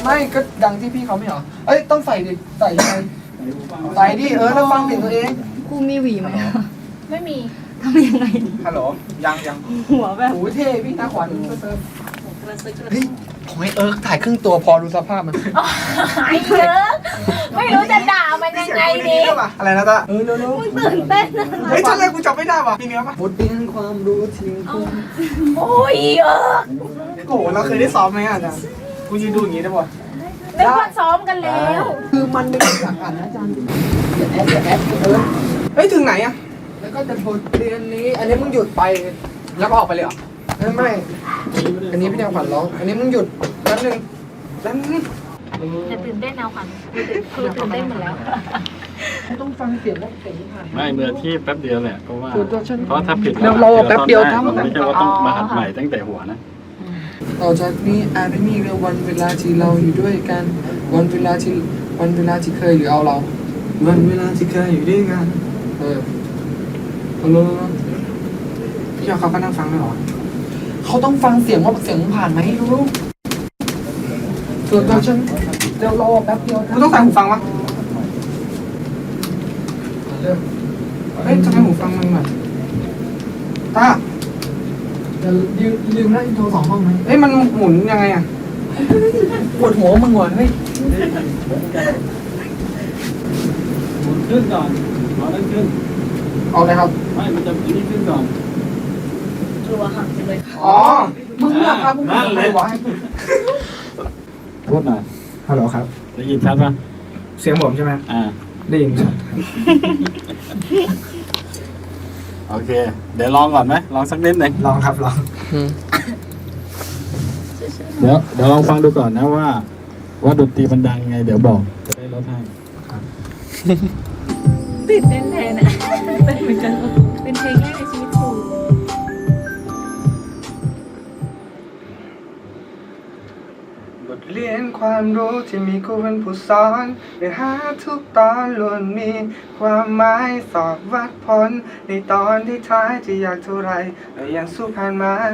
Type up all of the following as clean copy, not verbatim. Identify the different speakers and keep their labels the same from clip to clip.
Speaker 1: ไม่ก็ดังที่พี่เขาไม่เหรอเอ้ยต้องใส่ดิใส่ยังไงใส่ดิแล้วฟังเสียงตัวเอง
Speaker 2: กูมีหวีไหม
Speaker 3: ไม่มี
Speaker 2: ทำยังไงดี
Speaker 1: ฮัลโหลยัง
Speaker 2: หัวแบบ
Speaker 1: โอ้ยเท่พี่ตาขวัญเฮ้ยผมให้ถ่ายครึ่งตัวพอดูสภาพมัน
Speaker 3: หายเยอะไม่รู้จะด่ามันยังไงดี
Speaker 1: อะไรนะตาเร็ว
Speaker 3: ตื่นเต้น
Speaker 1: เฮ้ยท่อนแรกกูจำไม่ได้ว่ะมีเนื้อปะบทเรียนความรู้ทิ้งคุณ
Speaker 3: โอ้ย
Speaker 1: โอ้โหเราเคยได้ซ้อมไหมอาจารย์กูยืนดูอย่างงี้ได้ป่ะ
Speaker 3: นึกว่าซ้อมกันแล้ว
Speaker 1: คือมันเป็นหลักอ่านนะอาจารย์อย่าแอปเฮ้ยถึงไหนอะแล้วก็จะบทเรียนนี้ อันนี้มึงหยุดไปแล้วก็ออกไปเลยเหรอไม่อันนี้พี่แนวขวัญร้องอันนี้มึงหยุดแป๊บนึงแล้ว
Speaker 3: จะตื่นเต้นเอาค่ะคือตื่นเต้นหมดแล้ว
Speaker 1: ต้องฟังเสียงว่าเสียงผ่าน
Speaker 4: ไม่มืออาชีพแป๊บเดียวแหละเพราะว่า
Speaker 1: เพ
Speaker 4: เพราะถ้าผิด
Speaker 1: เราแป๊บเดียวทำ
Speaker 4: ไม่ใช่ว่าต้องมาหัดใหม่ตั้งแต่หัวนะ
Speaker 1: ต่อจากนี้อาจไม่มีวันเวลาที่เราอยู่ด้วยกันวันเวลาที่เคยหรือเอาเราวันเวลาที่เคยอยู่ด้วยกันพี่ยอเขาก็นั่งฟังไหมหรอเขาต้องฟังเสียงว่าเสียงผ่านไหมรู้ส่วนตัวฉันเดี๋ยวรอแป๊บเดียวกูต้องใส่หูฟังวะเฮ้ยทำไมหูฟังมันแบบตาเดี๋ยวลืมแล้วอินโทร2 ห้องไหมเอ้ยมันหมุนยังไงอ่ะปวดหัวมึงว่ะเฮ้ย
Speaker 4: หมุนขึ้นก่อนเอานั่นขึ้น
Speaker 1: เอาเลยครับ
Speaker 4: ไม่มันจะนี่ขึ้นก่อน
Speaker 2: กลัวหักจังเลย
Speaker 1: อ๋อมึงเนี่ยครับมึงเลยวะ
Speaker 4: พูดหน่อย
Speaker 1: ฮัลโหลครับ
Speaker 4: ได้ยินชัดป่ะ
Speaker 1: เสียงผมใช่ไหม ได้ยินครับ
Speaker 4: โอเค เดี๋ยวลองก่อนไหมลองสักนิดหนึ่ง
Speaker 1: ลองครับลอง
Speaker 4: เดี๋ยวลองฟังดูก่อนนะว่าดนตรีมันดังยังไง เดี๋ยวบอกจะได้ลดให้
Speaker 3: ตื่นเต้นแทนอ่ะเป็นเหมือนกันเป็นเพลงแรกในชีวิตกู
Speaker 1: บทเรียนความรู้ที่มีครูเป็นผู้สอนเนื้อหาทุกตอนล้วนมีความหมายสอบวัดผลในตอนที่ท้ายจะอยากเท่าไรแต่ยังสู้ผ่านมัน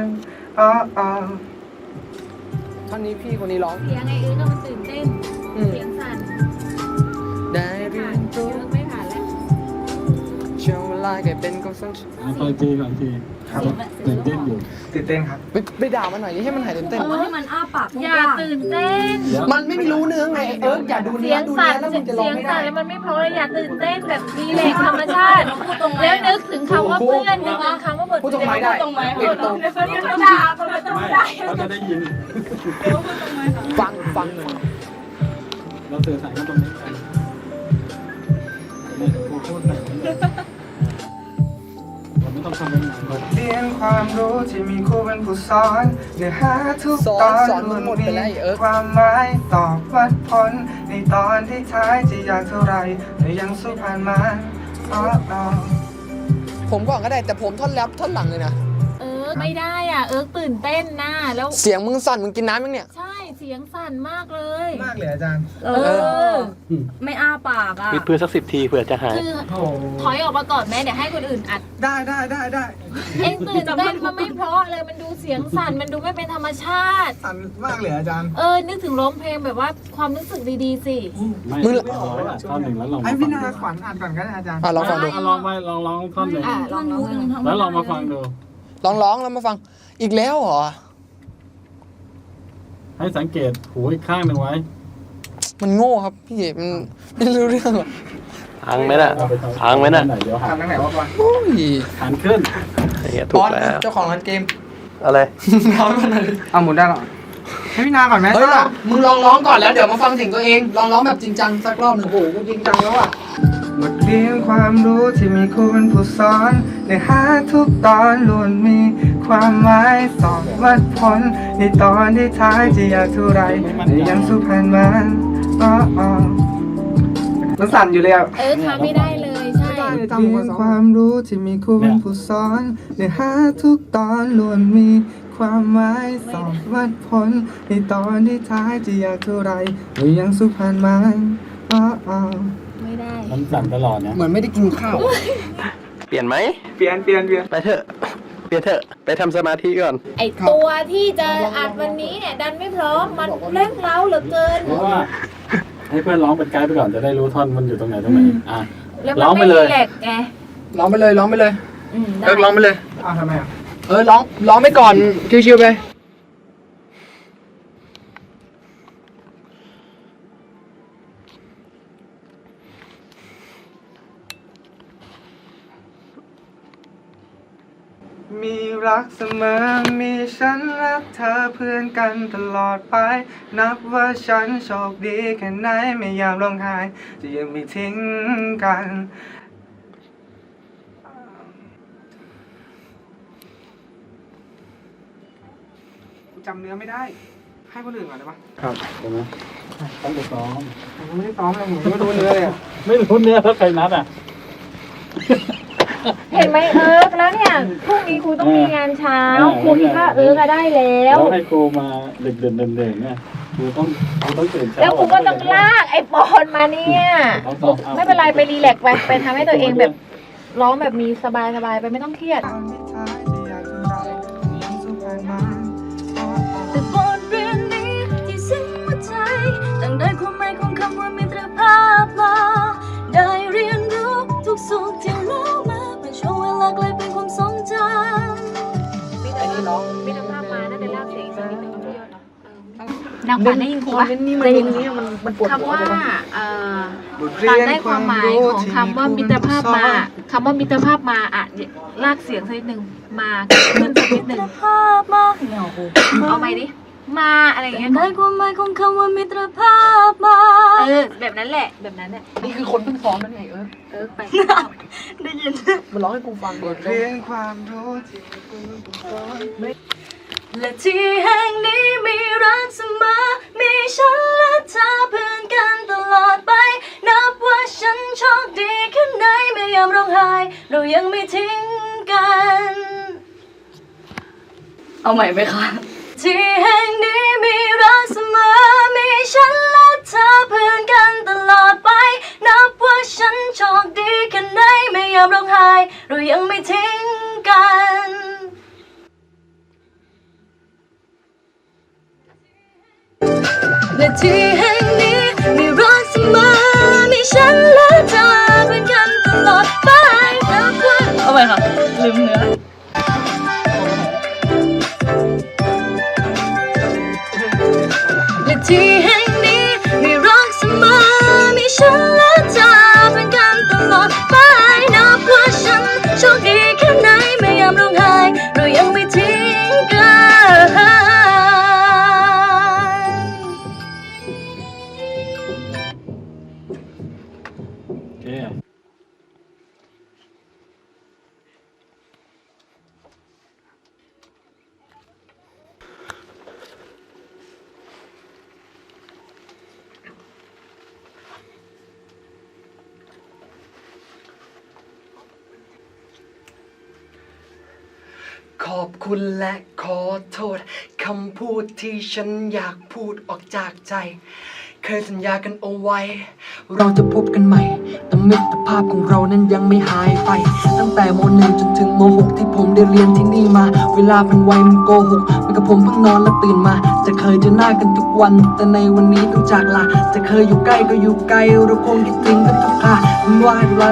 Speaker 1: ท่อนนี้พี่คนนี้ร้อง
Speaker 3: เสียงไอ้ก็มันตื่นเต้นเสียงสั่น
Speaker 1: ได้เรียนรู้
Speaker 3: ไม่ผ่านแล้ว
Speaker 1: ช่วงเวลาแกเป็นกำลัง
Speaker 4: ฟังทีตื่นเต้นอยู่
Speaker 1: ตื่นเต้นครับไปด่ามันหน่อยให้มันหายตื่นเต้น
Speaker 2: ให้มันอ้าปาก
Speaker 3: อย่าตื่นเต้น
Speaker 1: มันไม่รู้เนื้อไงอย่าดู
Speaker 3: เสี
Speaker 1: เนื้
Speaker 3: ย
Speaker 1: อง ดู
Speaker 3: สั่
Speaker 1: เนื้
Speaker 3: น
Speaker 1: อแล้วมึงจะร้อง
Speaker 3: เสียง
Speaker 1: ไม่
Speaker 3: สั่
Speaker 1: ได้
Speaker 3: นแล้วมันไม่เพราะเลยอย่าตื่นเต้นแบบมีแรงธรรมชาติแล้วนึกถึงคำว่าเพื่อนนึกถึงคำว่าบท
Speaker 1: พูดตรงไหนได้
Speaker 3: ตรงไหน
Speaker 1: เปลี่ยนตรง
Speaker 3: ด่าคนละตรง
Speaker 4: ไม่
Speaker 3: ได้
Speaker 4: เขาจะได้ยิน
Speaker 1: ฟังหน่อย
Speaker 4: เราสื่อสารกันตรงนี้กันไม่พูดแต่เราไม่ต้องทำเป็นหนัง
Speaker 1: เรียนความรู้ที่มีครูเป็นผู้สอนเนื้อหาทุกตอนมันมีความหมายตอบวัดผลในตอนที่ท้ายจะอยากเท่าไรแต่ยังสู้ผ่านมาผมก่อนก็ได้แต่ผมท่อนแรปท่อนหลังเลยนะ
Speaker 3: ไม่ได้อ่ะตื่นเต้นนะแล้ว
Speaker 1: เสียงมึงสั่นมึงกินน้ำมั้งเนี่ย
Speaker 3: ใช่เสียงสั่นมากเลย
Speaker 1: มากเลยอาจารย์
Speaker 2: ไม่อ้าปากอ่ะ
Speaker 5: วิดพื้นสัก10 ทีเผื่อจะหาย
Speaker 3: คือถอยออกมาก่อนแม่เดี๋ยวให้คนอื่นอัด
Speaker 1: ได้
Speaker 3: เอ็งตื่นเต้นมันไม่เพราะเลยมันดูเสียงสั่นมันดูไม่เป็นธรรมชาติ
Speaker 1: สั่นมากเลยอาจารย์
Speaker 3: นึกถึงร้องเพลงแบบว่าความรู้สึกดีๆสิ
Speaker 4: มึงเอาไว้ท่อนหนึ่งแล้วลอง
Speaker 1: ไอ้พี่นาขวัญอ่านก่อนก็ได้อาจารย์ลองฟังดู
Speaker 4: ลองไปลองท่อนหนึ่ง
Speaker 2: ลองรู้ยังทำ
Speaker 4: แล้วลองมาฟังดู
Speaker 1: ร้องแล้วมาฟังอีกแล้วเหรอ
Speaker 4: ให้สังเกตหูอีกข้างหนึ่งไว้
Speaker 1: มันโง่ครับพี่มันไม่รู้เรื่องหรอก
Speaker 5: พังไหมน่ะพังไหมน่ะ
Speaker 4: เดี๋ยวหั
Speaker 1: ทำ
Speaker 4: น
Speaker 1: ทางไหนวะบอลโอ้ย
Speaker 4: หันขึ้น
Speaker 5: อย่างเงี้ย
Speaker 1: บ
Speaker 5: ถูก
Speaker 1: อล
Speaker 5: แล้ว
Speaker 1: เจ้าของร้านเกม
Speaker 5: อะไร
Speaker 1: ร้องก่อนเลยเอาหมุนได้หรอให้พี่นาก่อนไหมเฮ้ยมึงลองร้องก่อนแล้วเดี๋ยวมาฟังเสียงตัวเองลองร้องแบบจริงจังสักรอบหนึ่งโอ้โหกูจริงจังแล้วอ่ะบทเรียนความรู้ที่มีครูเป็นผู้สอนเนื้อหาทุกตอนล้วนมีความหมายสอบวัดผลในตอนที่ท้ายจะอยากเท่าไรแต่ยังสู้ผ่านมันมันสั่นอยู่เลยอ่ะ
Speaker 3: ทำไม่ได้เลยใช่
Speaker 1: เรียนความรู้ที่มีครูเป็นผู้สอนเนื้อหาทุกตอนล้วนมีความหมายสอบวัดผลในตอนที่ท้ายจะอยากเท่าไรแต่ยังสู้ผ่านมัน
Speaker 3: ไม่ได้
Speaker 4: มันสั่นตลอดนะ
Speaker 1: เหมือนไม่ได้กินข้าว
Speaker 5: เปลี่ยนไหม
Speaker 1: เปลี่ยน
Speaker 5: ไปเถอะเปลี่ยนเถอะไปทำสมาธิก่อน
Speaker 3: ไอตัวที่จะอัดวันนี้เนี่ยดันไม่พร้อมมันเร่งเร้าเหลือเกิน
Speaker 4: เพราะว่าให้เพื่อนร้องเป็นไกด์ไปก่อนจะได้รู้ท่อนมันอยู่ตรงไหนอ่ะ
Speaker 3: แล้ว
Speaker 4: ร้
Speaker 3: มั
Speaker 4: อง
Speaker 3: น
Speaker 4: ไป
Speaker 3: ไม่
Speaker 4: เล
Speaker 3: รี
Speaker 4: ย
Speaker 3: แลกซ์ไง
Speaker 1: ร้องไปเลยร้องไปเลย
Speaker 3: ได้
Speaker 1: เลิกร้องไปเลย
Speaker 2: อ้าวทำไมอ่ะ
Speaker 1: ร้องไปก่อนชิวๆไปมีรักเสมอมีฉันและเธอเพื่อนกันตลอดไปนับว่าฉันโชคดีแค่ไหนไม่ยามร้องไห้จะยังไม่ทิ้งกันจำเนื้อไม่ได้ ให้คนอื่นก่อนได้ปะ
Speaker 4: ครับใช่ไหมต้องไปซ้อม
Speaker 1: ผมไม่ได้ซ้อมเลยผมไม่รู้เนื้อเลยอะ
Speaker 4: ไม่รู้เนื้อแล้วใครนัดอ่ะ
Speaker 3: เห็นไหมแล้วเนี่ยพรุ่งนี้ครูต้องมีงานเช้าครูคิดว่าก็ได้แล้ว
Speaker 4: แล้วให้ครูมาเด็กๆเด่นๆเนี่ยครูต้องตื่นเช้า
Speaker 3: แล้วครูก็ต้องลากไอ้ปอนมาเนี่ยไม่เป็นไรไปรีแลกซ์ไปทำให้ตัวเองแบบร้องแบบมีสบายๆไปไม่ต้องเครียด
Speaker 2: แต่บทเรียนนี้ที่สิ้นหัวใจตั้งได้ความหมายของคำว่ามิตรภาพมาได้เรียนรู้ทุกสุขที่เล่ามาเป็นช่วงเวลาไกลเป็นความทรงจำ
Speaker 3: มิตรภาพมาน่าจะลากเสียงสักนิดนึงพี่ยศนางฝันได้ยินครูปะได้ยินคำว่าตามได้ความหมายของคำว่ามิตรภาพมาคำว่ามิตรภาพมาอ่ะลากเสียงสักนิดนึงมาขึ้นสักนิดนึง
Speaker 2: ภาพมาเหงา
Speaker 3: เอาไหมดิมาอะไรอย่างเงี้ย
Speaker 2: ได้ความหมายของคำว่ามิตรภาพมา
Speaker 3: แบบนั้นแหละแบบนั้นแหละ
Speaker 1: นี่คือคนเพิ่งซ้อมนั่นไง
Speaker 3: ไป
Speaker 2: ได้ยิน
Speaker 1: มันร้องให้กูฟังบทเรียนความรู้ที่คุณสอน
Speaker 2: และที่แห่งนี้มีรักเสมอมีฉันและเธอเพื่อนกันตลอดไปนับว่าฉันโชคดีแค่ไหนไม่ยอมร้องไห้เรายังไม่ทิ้งกันเอาใหม่ไหมคะที่แห่งนี้มีรักเสมอมีฉันและเธอเพื่อนกันตลอดไปนับว่าฉันโชคดีแค่ไหนไม่ยอมร้องไห้เรายังไม่ทิ้งกันและที่แห่งนี้มีรักเสมอมีฉันและเธอเป็นกันตลอดไปนับว่าเอาไปค่ะลืมเนื้อและที่แห่งนี้มีรักเสมอมีฉันและเธอเป็นกันตลอดไปนับว่าฉันโชคดีแค่ไหนไม่ยอมร้องไห้เรายังไม่ทิ้งกัน
Speaker 4: โอเค
Speaker 1: ขอบคุณและขอโทษคำพูดที่ฉันอยากพูดออกจากใจ เคยสัญญากันเอาไว้ เราจะพบกันใหม่แต่มิตรภาพของเรานั้นยังไม่หายไป ตั้งแต่ม.1 จนถึงม.6 ที่ผมได้เรียนที่นี่มา เวลามันไวมันโกหกมันกับผมเพิ่งนอนและตื่นมา จะเคยเจอหน้ากันทุกวัน แต่ในวันนี้ต้องจากลาจะเคยอยู่ใกล้ก็อยู่ไกลเราคงคิดถึงกันทุกครามันว่ารัก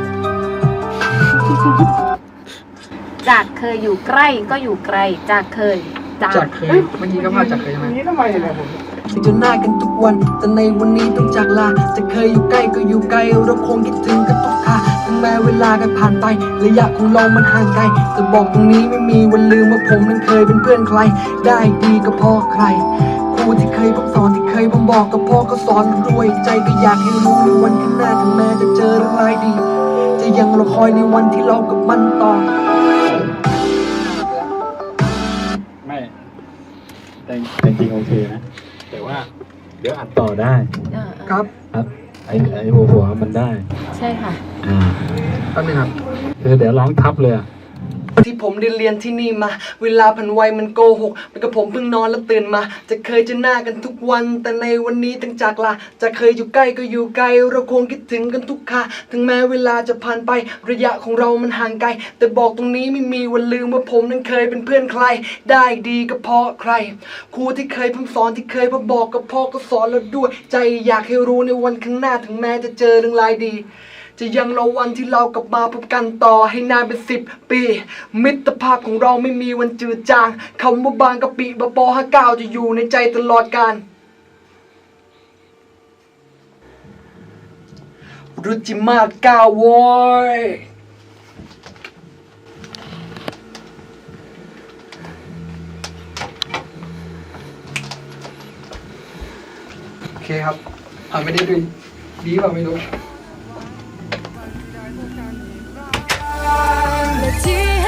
Speaker 3: จากเคยอยู่ใกล้ก็อยู่ไกลจากเคยจากเคย
Speaker 1: เมื่อกี้ก็พาจากเคยใช่ไหม
Speaker 2: นี่ทำไมเนี่ยผม
Speaker 1: เจอหน้ากันทุกวันแต่ในวันนี้ต้องจากลาจะเคยอยู่ใกล้ก็อยู่ไกลเราคงคิดถึงกันทุกคราถึงแม้เวลากันผ่านไประยะของเรามันห่างไกลแต่บอกตรงนี้ไม่มีวันลืมว่าผมนั้นเคยเป็นเพื่อนใครได้ดีก็พอใครครูที่เคยผมสอนที่เคยผมบอกกับพ่อก็สอนด้วยใจก็อยากให้รู้ในวันข้างหน้าถึงแม้จะเจอเรื่องร้ายดีจะยังรอคอยในวันที่เรากับมันต่อ
Speaker 4: ไม่แต่จริงๆโอเคนะ แต่ว่าเดี๋ยวอัดต่อได้
Speaker 1: ครับ
Speaker 4: ครับไอ้หัวมันได้
Speaker 3: ใช่ค่ะ
Speaker 4: อ่า
Speaker 1: แป๊บนึงครับ
Speaker 4: คือเดี๋ยวร้องทับเลยอะ
Speaker 1: ที่ผมได้เรียนที่นี่มาเวลาผ่านไวมันโกหกมันกับผมเพิ่งนอนแล้วตื่นมาจะเคยเจอหน้ากันทุกวันแต่ในวันนี้ตั้งจากลาจะเคยอยู่ใกล้ก็อยู่ไกลเราคงคิดถึงกันทุกคราถึงแม้เวลาจะผ่านไประยะของเรามันห่างไกลแต่บอกตรงนี้ไม่มีวันลืมว่าผมนั้นเคยเป็นเพื่อนใครได้ดีก็เพราะใครครูที่เคยพร่ำสอนที่เคยพบอกกับพ่อก็สอนเราด้วยใจอยากให้รู้ในวันข้างหน้าถึงแม้จะเจอเรื่องรายดีจะยังรอวันที่เรากลับมาพบกันต่อให้นานเป็น10 ปีมิตรภาพของเราไม่มีวันจืดจางคำว่าบางกะปิบะปอ59จะอยู่ในใจตลอดกาลรุจิมาก้าวโว้ยโอเคครับไม่ได้ดูดีเปล่าไม่รู้
Speaker 2: และที่